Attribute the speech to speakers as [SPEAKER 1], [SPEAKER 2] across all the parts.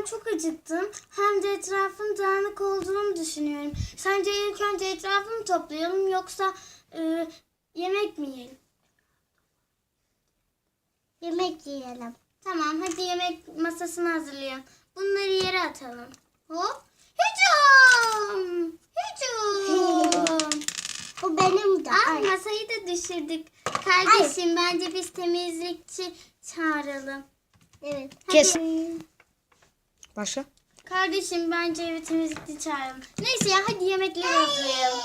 [SPEAKER 1] çok acıktım. Hem de etrafın dağınık olduğunu düşünüyorum. Sence ilk önce etrafını toplayalım yoksa yemek mi yiyelim?
[SPEAKER 2] Yemek yiyelim.
[SPEAKER 1] Tamam, hadi yemek masasını hazırlayalım. Bunları yere atalım. Hop. Hücum! Hücum!
[SPEAKER 2] Bu benim de.
[SPEAKER 1] Ay, masayı da düşürdük. Kardeşim, bence biz temizlikçi çağıralım.
[SPEAKER 2] Evet.
[SPEAKER 3] Kes. Başla.
[SPEAKER 1] Kardeşim, bence evi temizlikçi çağıralım. Neyse ya, hadi yemekleri hazırlayalım.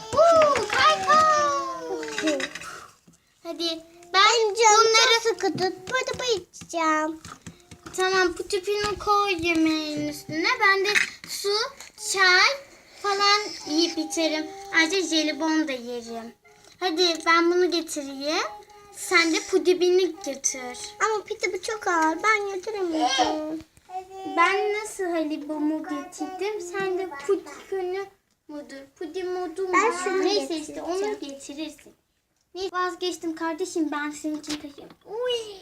[SPEAKER 1] Kaykay! Hadi ben bunları...
[SPEAKER 2] Sıkı tut. Burada içeceğim.
[SPEAKER 1] Tamam, bu tüpünü koy yemeğin üstüne. Ben de su, çay falan yiyip içerim. Ayrıca jelibon da yerim. Hadi ben bunu getireyim. Sen de pudibini götür.
[SPEAKER 2] Ama piti bu çok ağır. Ben götüremeyeceğim.
[SPEAKER 1] Ben nasıl halibomu getirdim? Sen de pudibini mudur? Pudimudu
[SPEAKER 2] Ben
[SPEAKER 1] mu?
[SPEAKER 2] şunu
[SPEAKER 1] Neyse işte
[SPEAKER 2] getireceğim.
[SPEAKER 1] onu getirirsin. Neyse, vazgeçtim kardeşim, ben senin için taşıyayım. Uy.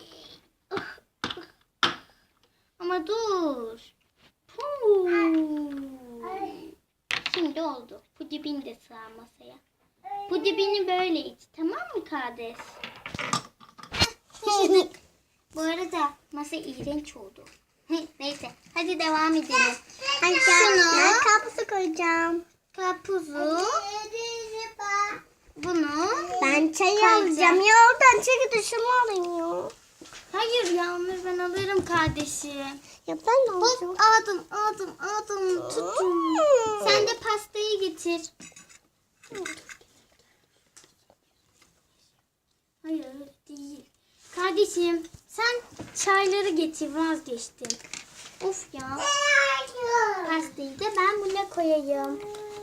[SPEAKER 1] Ama dur. Şimdi oldu. Pudibin de sığar masaya. Pudibini böyle iç. Tamam mı kardeş? Taşıdık. Bu arada masa iğrenç oldu. Neyse. Hadi devam edelim.
[SPEAKER 2] Hadi
[SPEAKER 1] Şunu.
[SPEAKER 2] ben kapısı koyacağım.
[SPEAKER 1] Karpuzu. Bunu.
[SPEAKER 2] Ben çay
[SPEAKER 1] Koyacağım.
[SPEAKER 2] alacağım. Ya oradan çeki dışımı alayım ya.
[SPEAKER 1] Hayır Yağmur, ben alırım kardeşim.
[SPEAKER 2] Ya ben de alacağım.
[SPEAKER 1] Hop, aldım. Tuttum. Sen de pastayı getir. Hayır öyle değil. Kardeşim, sen çayları getir, vazgeçtim. Of ya. Pastayı da ben buna koyayım.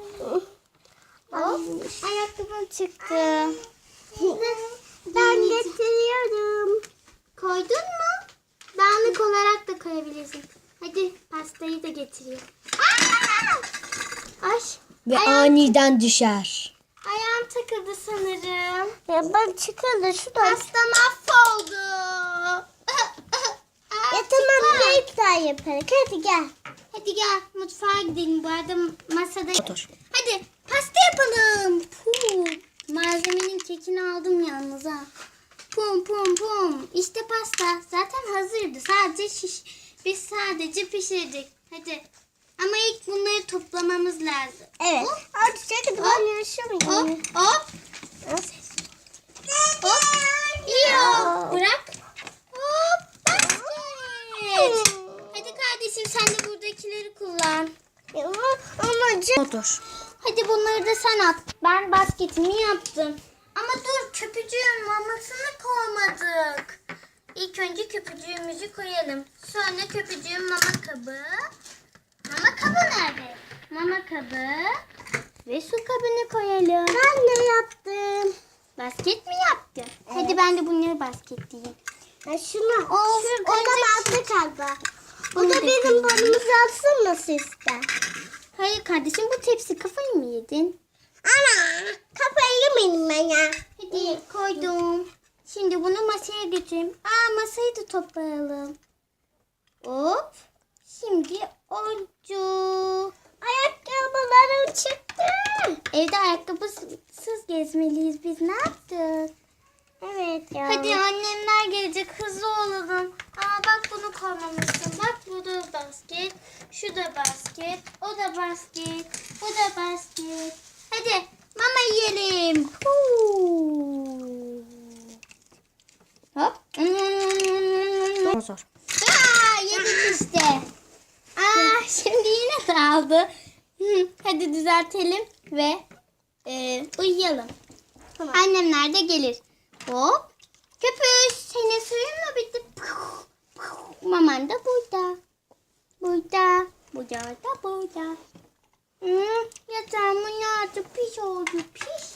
[SPEAKER 1] Hop, ayakkabım çıktı.
[SPEAKER 2] Ben getiriyorum.
[SPEAKER 1] Koydun mu? Dağınık olarak da koyabilirsin. Hadi pastayı da getireyim. Ay,
[SPEAKER 3] Ve aniden düşer.
[SPEAKER 1] ayağım takıldı sanırım.
[SPEAKER 2] Ya ben çıkardı şuradan.
[SPEAKER 1] Pasta mahvoldu.
[SPEAKER 2] Ya tamam bir iptal yaparız. Hadi gel.
[SPEAKER 1] Hadi gel mutfağa gidelim. Bu arada masada...
[SPEAKER 3] Otur.
[SPEAKER 1] Hadi pasta yapalım. Pum. Malzemenin kekini aldım yalnız ha. Pum. İşte pasta. Zaten hazırdı. Biz sadece pişirdik. Hadi. Ama ilk bunları toplamamız lazım.
[SPEAKER 2] Evet.
[SPEAKER 1] Hop.
[SPEAKER 2] Hadi çekil ben yaşamayayım.
[SPEAKER 1] Hop. İyi. Bırak. Hop. Basket. Hadi kardeşim, sen de buradakileri kullan.
[SPEAKER 2] Ama
[SPEAKER 3] Otur.
[SPEAKER 1] Hadi bunları da sen at. Ben basketimi yaptım. Ama dur, köpücüğün mamasını koymadık. İlk önce köpücüğümüzü koyalım. Sonra köpücüğün mama kabı. Mama kabı nerede? Mama kabı. Ve su kabını koyalım.
[SPEAKER 2] ben ne yaptım?
[SPEAKER 1] Basket mi yaptın? Hadi ben de bunları basketleyeyim.
[SPEAKER 2] Ya şunu.
[SPEAKER 1] Of,
[SPEAKER 2] O da bastı galiba. Bu da benim boyumuzu alsın mı sizde?
[SPEAKER 1] Hayır kardeşim, bu tepsi, kafayı mı yedin?
[SPEAKER 2] Ana kafayı yemedim ben ya.
[SPEAKER 1] Hadi koydum. Şimdi bunu masaya götüreyim. Masayı da toplayalım. Hop. Şimdi oldu.
[SPEAKER 2] Ayakkabılarım çıktı.
[SPEAKER 1] Evde ayakkabısız gezmeliyiz. Biz ne yaptık?
[SPEAKER 2] Evet ya.
[SPEAKER 1] Hadi annemler gelecek. Hızlı olalım. Bak bunu koymamışsın. Bak bu da basket. Şu da basket. O da basket. Bu da basket. Hadi mama yiyelim. Hop.
[SPEAKER 3] Otur.
[SPEAKER 1] Yedik işte. Şimdi yine dağıldı. Hadi düzeltelim ve uyuyalım.
[SPEAKER 2] Tamam.
[SPEAKER 1] Annemler de gelir. Hop. Köpüş, senin suyun mu bitti? Maman da burada. Burada da burada. Yatağımın altı pis oldu, pis.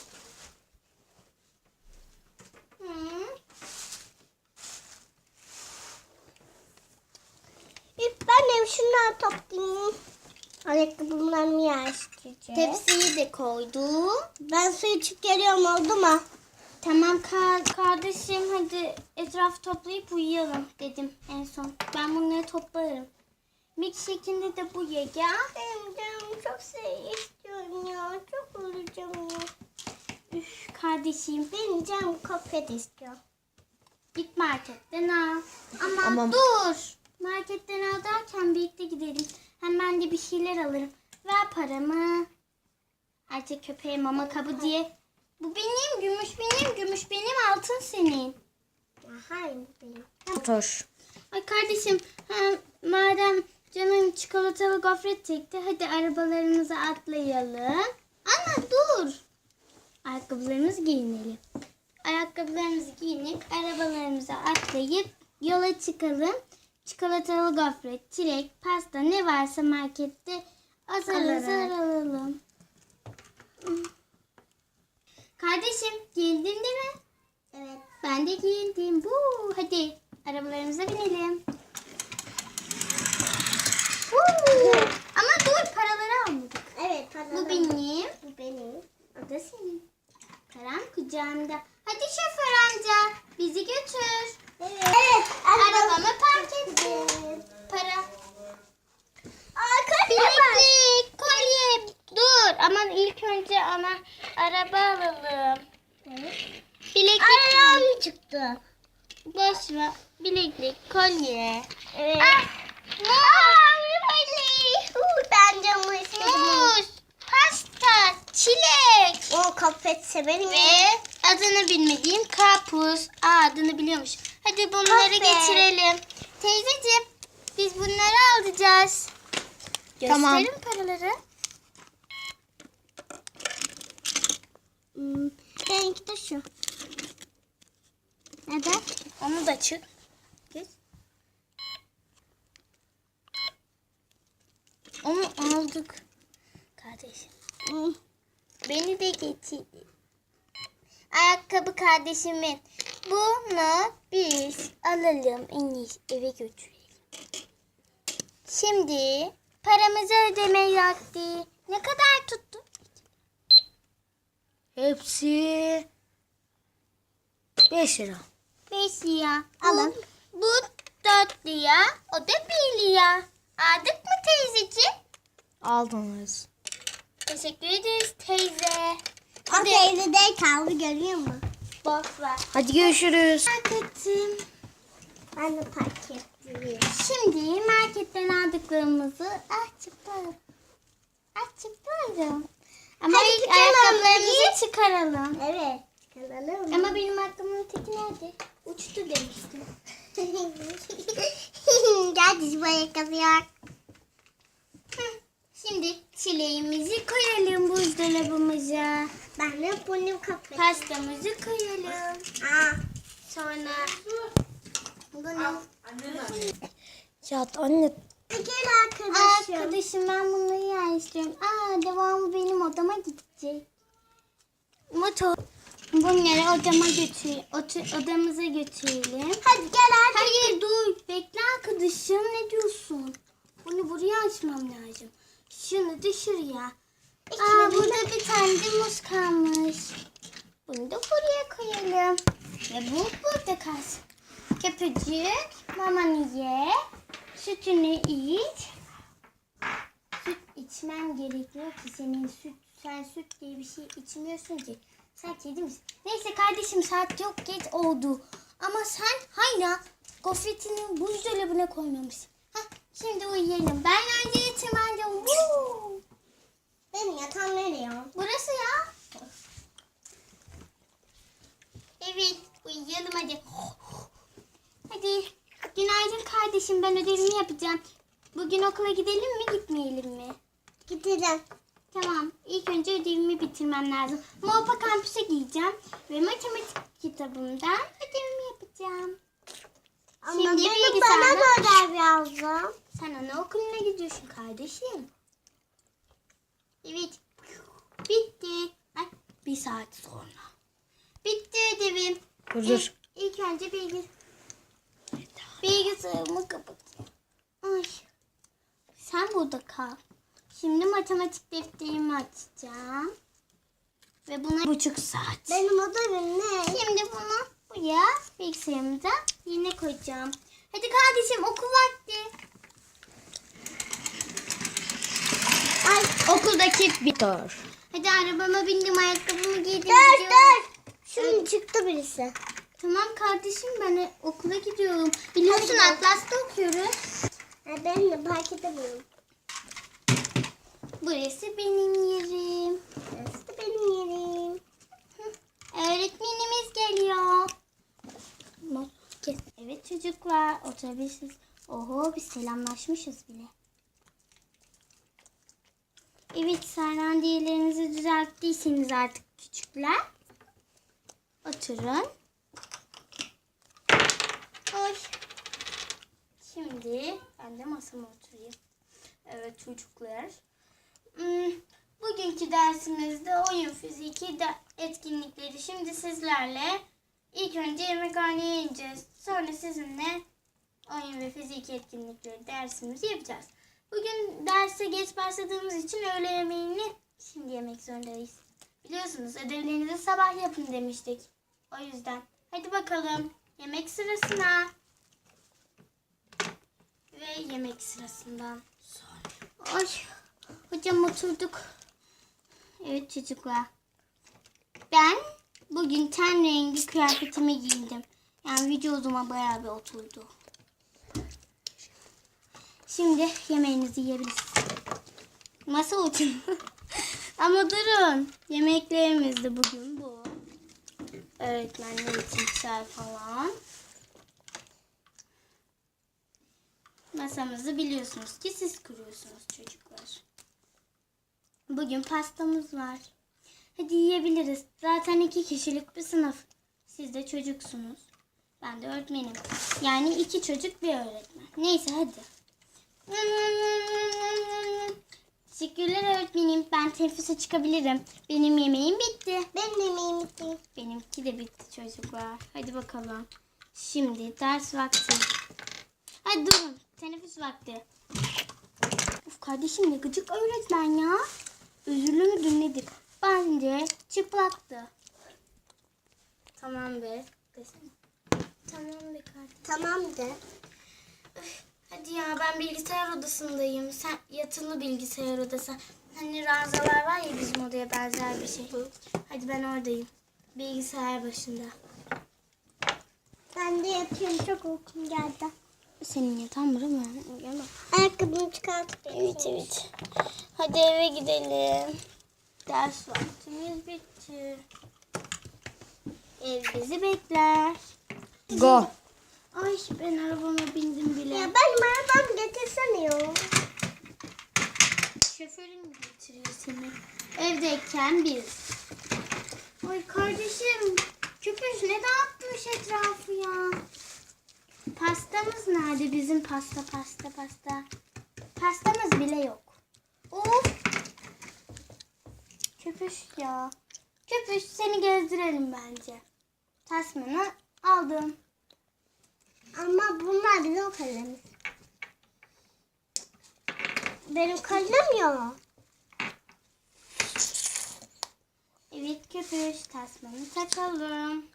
[SPEAKER 2] Ben de şunları toplayayım. Ayakkabılarımı yerleştireceğim.
[SPEAKER 1] Tepsiyi de koydum.
[SPEAKER 2] Ben su içip geliyorum oldu mu?
[SPEAKER 1] Tamam kardeşim, hadi etrafı toplayıp uyuyalım dedim en son. Ben bunları toplarım. Milkshake'inde de bu ye ya.
[SPEAKER 2] Benim canım çok şey istiyorum ya. Çok olacağım ya.
[SPEAKER 1] Üf, kardeşim
[SPEAKER 2] Benim canım kopet istiyor.
[SPEAKER 1] git marketten al. Ama
[SPEAKER 3] Ama-
[SPEAKER 1] dur. Marketten al derken birlikte gidelim. Hem ben de bir şeyler alırım. Ver paramı. Ayrıca köpeğe mama kabı diye. Bu benim, gümüş benim, gümüş benim, altın senin.
[SPEAKER 2] Ya hayır benim.
[SPEAKER 3] Motor.
[SPEAKER 1] Ay kardeşim, madem canım çikolatalı gofret çekti, hadi arabalarımıza atlayalım. Ana dur. Ayakkabılarımızı giyinelim. Ayakkabılarımızı giyinip arabalarımıza atlayıp yola çıkalım. Çikolatalı gofret, çilek, pasta ne varsa markette azar azar alalım. Kardeşim giyindin değil mi?
[SPEAKER 2] Evet.
[SPEAKER 1] Ben de giyindim. Woo, hadi arabalarımıza binelim. Woo. Ama dur, paraları almadık.
[SPEAKER 2] Evet.
[SPEAKER 1] Bu benim.
[SPEAKER 2] Bu benim.
[SPEAKER 1] O da senin. Param kucağımda. hadi şoför amca bizi götür.
[SPEAKER 2] Evet.
[SPEAKER 1] Arabamı park ettim. Para. Bileklik, kolye. Dur ama ilk önce araba alalım. Bileklik.
[SPEAKER 2] Ayağım çıktı.
[SPEAKER 1] Boş ver. Bileklik, kolye.
[SPEAKER 2] Evet.
[SPEAKER 1] Ben camı istedim. Muz, pasta, çilek.
[SPEAKER 2] O kopet severim.
[SPEAKER 1] Ve adını bilmediğim karpuz. Adını biliyormuş. Hadi bunları
[SPEAKER 2] Kahve.
[SPEAKER 1] getirelim. Teyzeciğim biz bunları alacağız.
[SPEAKER 3] Tamam.
[SPEAKER 1] Gösterin paraları.
[SPEAKER 2] Benimki de şu.
[SPEAKER 1] Neden? Onu da çık. Geç. Onu aldık. Kardeşim. Beni de getir. Ayakkabı kardeşimin. Bunu biz alalım. En iyisi eve götürelim. Şimdi paramızı ödeme vakti. Ne kadar tuttu?
[SPEAKER 3] Hepsi 5 lira.
[SPEAKER 1] 5 lira.
[SPEAKER 2] Alın.
[SPEAKER 1] Bu 4 lira. O da 1 lira. Aldık mı teyzeciğim?
[SPEAKER 3] Aldınız.
[SPEAKER 1] Teşekkür ederiz teyze.
[SPEAKER 2] O teyze de kaldı görüyor musun?
[SPEAKER 1] Boş ver.
[SPEAKER 3] Hadi görüşürüz.
[SPEAKER 1] Marketim.
[SPEAKER 2] Ben de park ettim.
[SPEAKER 1] Şimdi marketten aldıklarımızı çıkarım. Çıkarım. Ama
[SPEAKER 2] Hadi
[SPEAKER 1] ilk
[SPEAKER 2] çıkalım.
[SPEAKER 1] ayakkabılarımızı çıkaralım.
[SPEAKER 2] Evet. Kalalım.
[SPEAKER 1] Ama benim ayakkabımın teki nerede? Uçtu demiştim.
[SPEAKER 2] Gel dizi ayakkabı yok.
[SPEAKER 1] Şimdi çileğimizi koyalım buzdolabımıza.
[SPEAKER 2] Ben de bunu kapatayım.
[SPEAKER 1] Pastamızı koyalım. Sonra bunu
[SPEAKER 3] Ya anne
[SPEAKER 2] Gel arkadaşım.
[SPEAKER 1] arkadaşım ben bunları yerleştiriyorum. Devamı benim odama gidecek. Motor. Bunları odamıza götürelim.
[SPEAKER 2] Hadi gel artık.
[SPEAKER 1] Hayır dur. Bekle arkadaşım. Ne diyorsun? Bunu buraya açmam lazım. Şunu da şuraya. Burada bir tane de muz kalmış. Bunu da buraya koyalım. Ve bu burada kalsın. Köpücük, mamanı ye. Sütünü iç. Süt içmen gerekiyor ki sen süt diye bir şey içmiyorsun ki. Sen kedi misin? Neyse kardeşim saat çok geç oldu. Ama sen hala gofretini buzdolabına koymamışsın. Şimdi uyuyalım. Ben önce yatırmanca.
[SPEAKER 2] Benim yatağım nereye?
[SPEAKER 1] Burası ya. Evet uyuyalım hadi. Hadi günaydın kardeşim ben ödevimi yapacağım. Bugün okula gidelim mi gitmeyelim mi?
[SPEAKER 2] Gidelim.
[SPEAKER 1] Tamam. İlk önce ödevimi bitirmem lazım. Mopa kampüse gideceğim ve matematik kitabımdan ödevimi yapacağım.
[SPEAKER 2] Ama
[SPEAKER 1] Şimdi
[SPEAKER 2] benim
[SPEAKER 1] bilgisayarda-
[SPEAKER 2] bana da ödev yazdım.
[SPEAKER 1] Sen anaokuluna gidiyorsun kardeşim. Evet. Bitti. Ay, bir saat sonra. Bitti ödevim.
[SPEAKER 3] dur.
[SPEAKER 1] İlk önce bilgisayarımı kapatayım. Ay. Sen burada kal. Şimdi matematik defterimi açacağım. Ve buna 1,5 saat.
[SPEAKER 2] Benim ödevim ne?
[SPEAKER 1] Şimdi bunu buraya bilgisayarımıza yerine koyacağım. Hadi kardeşim okul vakti.
[SPEAKER 3] Vakit biter.
[SPEAKER 1] Hadi arabama bindim, ayakkabımı giydim.
[SPEAKER 2] Dur
[SPEAKER 1] gidiyorum.
[SPEAKER 2] dur. Şimdi çıktı birisi.
[SPEAKER 1] Tamam kardeşim, ben okula gidiyorum. Biliyorsun Atlas'ta okuyoruz.
[SPEAKER 2] Ben de fark edemiyorum.
[SPEAKER 1] Burası benim yerim.
[SPEAKER 2] Burası da benim yerim.
[SPEAKER 1] Öğretmenimiz geliyor. Evet çocuklar, oturabilirsiniz. Oho, biz selamlaşmışız bile. Evet, sandalyenizi düzelttiyseniz artık küçükler. Oturun. Oy. Şimdi ben de masama oturayım. Evet çocuklar. Bugünkü dersimizde oyun fiziki etkinlikleri. Şimdi sizlerle ilk önce yemekhaneye ineceğiz. Sonra sizinle oyun ve fiziki etkinlikleri dersimizi yapacağız. Bugün derse geç başladığımız için öğle yemeğini şimdi yemek zorundayız. Biliyorsunuz ödevlerinizi sabah yapın demiştik. O yüzden hadi bakalım yemek sırasına. Ve yemek sırasından sonra. Ay, hocam oturduk. Evet çocuklar. Ben bugün ten rengi kıyafetimi giydim. Yani vücuduma bayağı bir oturdu. Şimdi yemeğinizi yiyebilirsiniz. Masa oturun. Ama durun. Yemeklerimiz de bugün bu. Öğretmenler için çay falan. Masamızı biliyorsunuz ki siz kuruyorsunuz çocuklar. Bugün pastamız var. Hadi yiyebiliriz. Zaten 2 kişilik bir sınıf. Siz de çocuksunuz. Ben de öğretmenim. Yani 2 çocuk bir öğretmen. Neyse hadi. Teşekkürler öğretmenim. Ben teneffüse çıkabilirim. Benim yemeğim bitti.
[SPEAKER 2] Benim yemeğim bitti.
[SPEAKER 1] Benimki de bitti çocuklar. Hadi bakalım. Şimdi ders vakti. Hadi durun. Teneffüs vakti. Of kardeşim, ne gıcık öğretmen ya. Özürlü müdür nedir? Bence çıplaktı. Tamam be. Desene. Tamam be kardeşim.
[SPEAKER 2] Tamam de.
[SPEAKER 1] Hadi ya, ben bilgisayar odasındayım. Sen yatılı bilgisayar odası. Hani ranzalar var ya, bizim odaya benzer bir şey. Hadi ben oradayım. Bilgisayar başında.
[SPEAKER 2] Ben de yatıyorum. Çok uykum geldi.
[SPEAKER 1] Senin yatağın burada mı? Gel bak.
[SPEAKER 2] Ayakkabımı çıkartıp
[SPEAKER 1] Evet. Hadi eve gidelim. Ders vaktimiz bitti. Ev bizi bekler.
[SPEAKER 3] Go.
[SPEAKER 1] Ay, ben arabama bindim bile.
[SPEAKER 2] Ya benim arabam getirsene ya.
[SPEAKER 1] Şoförün mü getiriyor seni? Evdeyken biz. Ay kardeşim, köpüş ne dağıtmış etrafı ya. Pastamız nerede? Bizim pasta. Pastamız bile yok. Of. Köpüş ya. Köpüş, seni gezdirelim bence. Tasmanı aldım.
[SPEAKER 2] Ama bunlar bizim kalemiz. Benim kalem ya.
[SPEAKER 1] Evet köpüş, tasmanı takalım.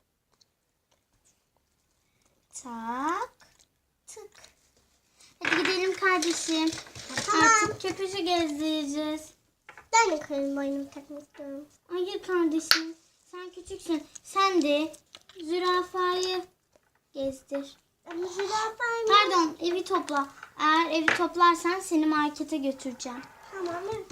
[SPEAKER 1] Tak. Tık. Hadi gidelim kardeşim.
[SPEAKER 2] Tamam.
[SPEAKER 1] Artık köpüşü gezdireceğiz.
[SPEAKER 2] Ben de kalem boynumu takmak istiyorum.
[SPEAKER 1] Hayır kardeşim. Sen küçüksün. Sen de zürafayı gezdir.
[SPEAKER 2] Ama zürafayım.
[SPEAKER 1] Pardon, evi topla. Eğer evi toplarsan seni markete götüreceğim.
[SPEAKER 2] Tamam evet.